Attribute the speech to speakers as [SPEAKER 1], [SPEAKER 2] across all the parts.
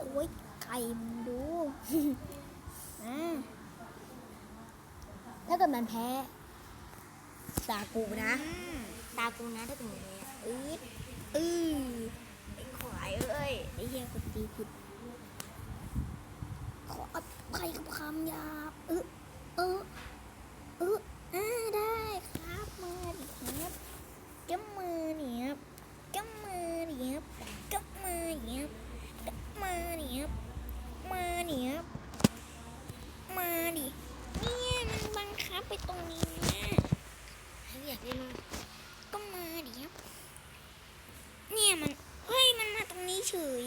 [SPEAKER 1] โอ้ยไก่มึงดู ถ้าเกิดมันแพ้ตากูนะถ้าเกิดมันแพ้ไอ้ควายเอ้ยไอ้เหี้ยกูตีผิดขออภัยกับคำหยาบได้ครับมาดิครับก็มาดิครับก็มาดิครับก็มาดิครับก็มาดิครับมาดิครับมาดิเนี่ยมันบังคับไปตรงนี้นะอยากเล่นก็มาดิครับเนี่ยมันเฮ้ยมันมาตรงนี้เฉย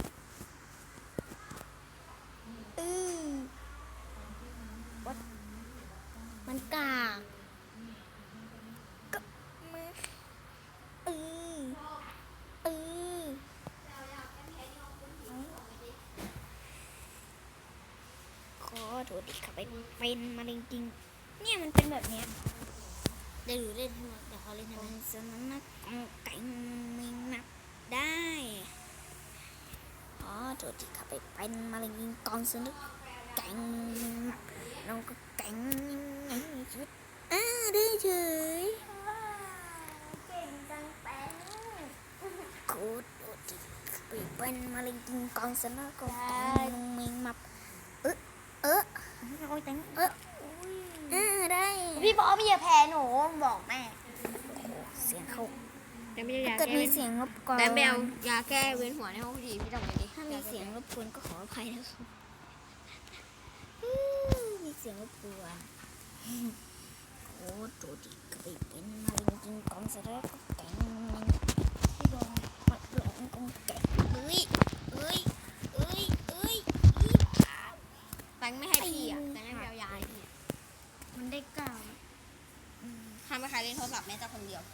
[SPEAKER 1] มันกากก็มาขอโทษดิครับเป็นมาจริงๆเนี่ยมันเป็นแบบเนี้ยเดี๋ยวเล่นให้มันเดี๋ยวเขาเล่นให้มันสนับนักไก่ไม่นับได้อ๋อโทษดิครับเป็นมาจริงๆกองสนุกไก่น้องก็ไก่ไงชีวิตได้เฉยเก่งจังเป็นโคตรดิเป็นมาจริงๆกองสนุกก็ไก่น้องไม่นับเราแต่งได้พี่บอกพี่อย่าแพ้หนูบอกแม่เสียงเขาแต่ไม่ยาเกิดมีเสียงรบกวนแต่แมวยาแก้เวียนหัวในห้องดีพี่ต้องไปดิถ้ามีเสียงรบกวนก็ขออภัยนะครับมีเสียงรบกวนโอ้ตัวดีก็ไปเป็นมาจริงๆกองเสร็จแล้วก็แกงพี่บอกมาหลงกองแกง
[SPEAKER 2] แตงไม่ให้พี่อ่ะแตงให้แมวยาย
[SPEAKER 1] มันได้เก้า
[SPEAKER 2] ห้ามไม่ใครเล่นโทรศัพท์แม้แต่คนเดียว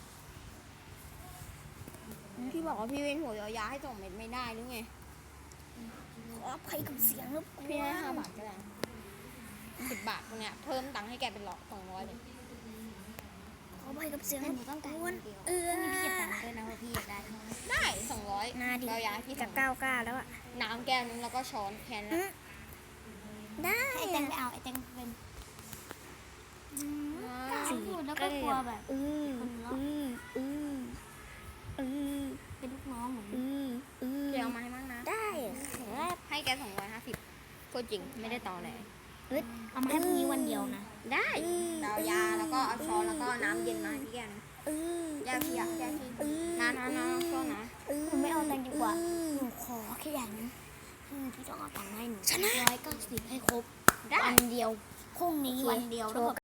[SPEAKER 2] พี่บอกว่าพี่เว้นหัวยาให้ส่งเม็ดไม่ได้หรือไง
[SPEAKER 1] ขออภัยกับเสียงรบกวน
[SPEAKER 2] พี่ให้5 บาทก็ได้10 บาทพวกเนี้ยเพิ่มตังค์ให้แกเป็น200เลย
[SPEAKER 1] ขออภัยกับเสียงรบกวน
[SPEAKER 2] พี่เก็บตังค์ด้วยนะว่าพี่ได้200
[SPEAKER 1] นาดี
[SPEAKER 2] เรายาพี่
[SPEAKER 1] จะ9แล้วอ่ะ
[SPEAKER 2] น้ำแก้วนึงแล้วก็ช้อนแค่นั้น
[SPEAKER 1] ได้
[SPEAKER 2] ไอแตงไปเอาไอแตงเป็น
[SPEAKER 1] พูดแล้วก็กลัวแบบเป็นลูกน้องเหมือน
[SPEAKER 2] เดี๋ยวมาให้มั่งนะ
[SPEAKER 1] ได้
[SPEAKER 2] ให้แก250พูดจริงไม่ได้ต่อเลย
[SPEAKER 1] เอามาให้พรุ่งนี้วันเดียวนะ
[SPEAKER 2] ได้เอายาแล้วก็เอาช้อนแล้วก็น้ำเย็นมาให้พี่แกนะยาพี่นะก็นะ
[SPEAKER 1] หนูไม่เอาตังค์ดีกว่าหนูขอแค่อย่างนึงพี่ต้องเอาตังค์ให้หนู190ให้ครบวันเดียวพรุ่งนี้วันเดียว